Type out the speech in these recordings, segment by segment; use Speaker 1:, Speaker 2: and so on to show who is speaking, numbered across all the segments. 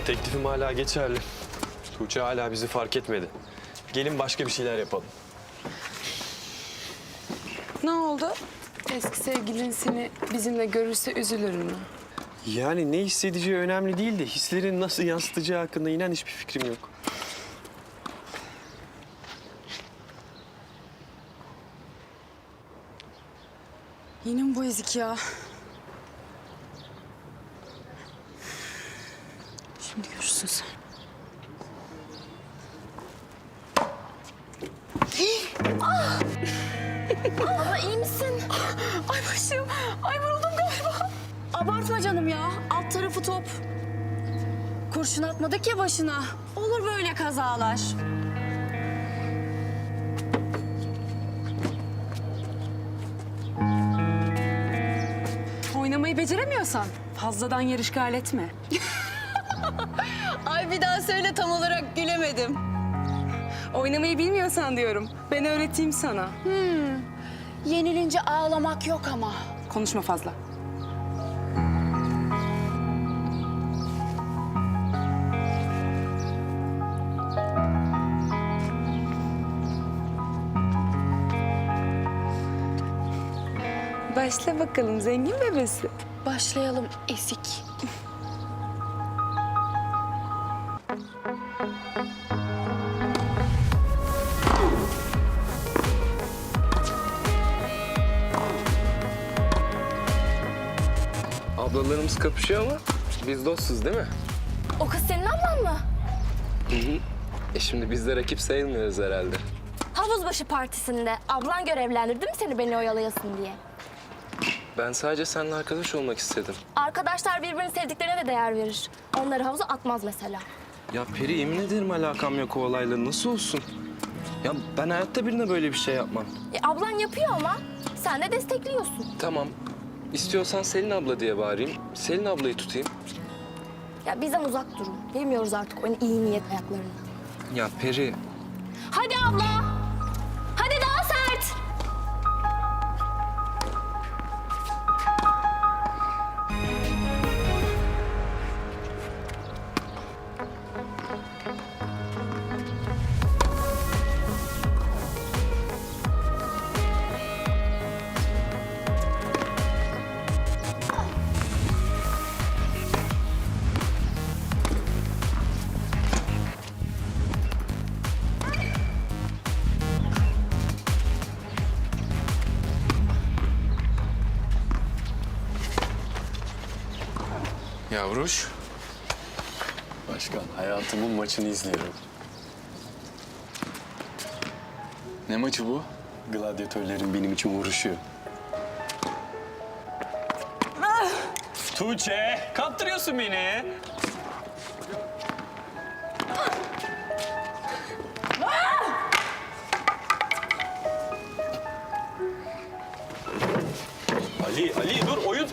Speaker 1: Teklifim hala geçerli. Tuğçe hala bizi fark etmedi. Gelin başka bir şeyler yapalım.
Speaker 2: Ne oldu? Eski sevgilin seni bizimle görürse üzülür mü?
Speaker 1: Yani ne hissedeceği önemli değil de hislerini nasıl yansıtacağı hakkında inan hiçbir fikrim yok.
Speaker 2: Yine mi bu ezik ya? Şimdi görürsün sen.
Speaker 3: Abla iyi misin?
Speaker 2: Ay başım. Ay vuruldum galiba.
Speaker 3: Abartma canım ya. Alt tarafı top. Kurşun atmadık ya başına. Olur böyle kazalar.
Speaker 2: Oynamayı beceremiyorsan fazladan yer işgal etme.
Speaker 3: Ay bir daha söyle, tam olarak gülemedim.
Speaker 2: Oynamayı bilmiyorsan diyorum. Ben öğreteyim sana.
Speaker 3: Yenilince ağlamak yok ama.
Speaker 2: Konuşma fazla. Başla bakalım zengin bebesi.
Speaker 3: Başlayalım esik.
Speaker 4: Ablalarımız kapışıyor ama biz dostuz değil mi?
Speaker 3: O kız senin ablan mı?
Speaker 4: Şimdi biz de rakip sayılmıyoruz herhalde.
Speaker 3: Havuzbaşı partisinde ablan görevlendirdi mi seni beni oyalayasın diye?
Speaker 4: Ben sadece seninle arkadaş olmak istedim.
Speaker 3: Arkadaşlar birbirini sevdiklerine de değer verir. Onları havuza atmaz mesela.
Speaker 4: Ya Peri, yemin ederim alakam yok o olayla. Nasıl olsun? Ya ben hayatta birine böyle bir şey yapmam.
Speaker 3: Ablan yapıyor ama sen de destekliyorsun.
Speaker 4: Tamam. İstiyorsan Selin abla diye bağırayım. Selin ablayı tutayım.
Speaker 3: Ya bizden uzak durun. Bilmiyoruz artık onun iyi niyet ayaklarını.
Speaker 4: Ya Peri,
Speaker 3: Hadi abla. Hadi daha sert.
Speaker 1: Yavruş. Başkan, hayatımın maçını izliyorum.
Speaker 5: Ne maçı bu?
Speaker 1: Gladyatörlerin benim için vuruşuyor. Tuğçe, kaptırıyorsun beni. Ali dur oyun.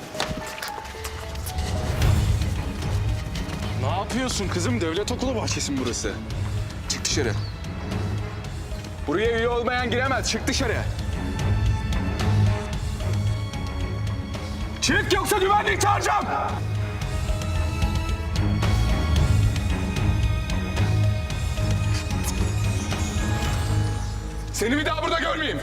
Speaker 5: Ne yapıyorsun kızım? Devlet okulu bahçesi mi burası? Çık dışarı. Buraya üye olmayan giremez. Çık dışarı. Çık yoksa güvenlik çağıracağım. Seni bir daha burada görmeyeyim.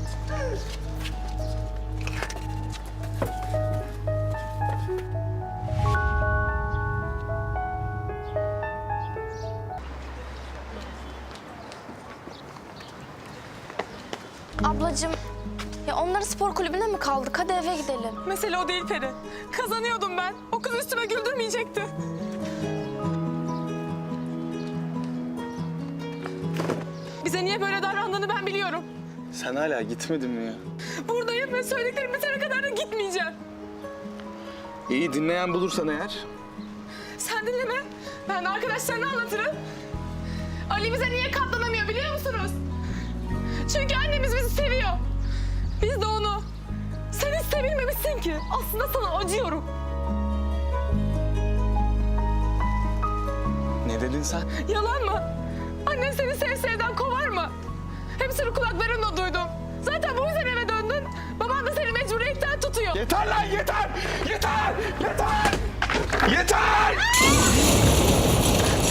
Speaker 3: Ablacığım, ya onları spor kulübüne mi kaldık? Hadi eve gidelim.
Speaker 2: Mesele o değil Peri. Kazanıyordum ben. O kız üstüme güldürmeyecekti. Bize niye böyle davrandığını ben biliyorum.
Speaker 5: Sen hala gitmedin mi ya?
Speaker 2: Buradayım ve söylediklerim bitene kadar da gitmeyeceğim.
Speaker 5: İyi, dinleyen bulursan eğer.
Speaker 2: Sen dinleme. Ben de arkadaşlarına anlatırım. Ali bize niye katlanamıyor biliyor musunuz? Çünkü annemiz bizi seviyor. Biz de onu. Sen hiç sevilmemişsin ki. Aslında sana acıyorum.
Speaker 5: Ne dedin sen?
Speaker 2: Yalan mı? Annen seni sevdan kovar mı? Hepsini kulaklarımla duydum. Zaten bu yüzden eve döndün. Baban da seni mecburiyetten tutuyor.
Speaker 5: Yeter lan, yeter! Yeter! Yeter! Yeter!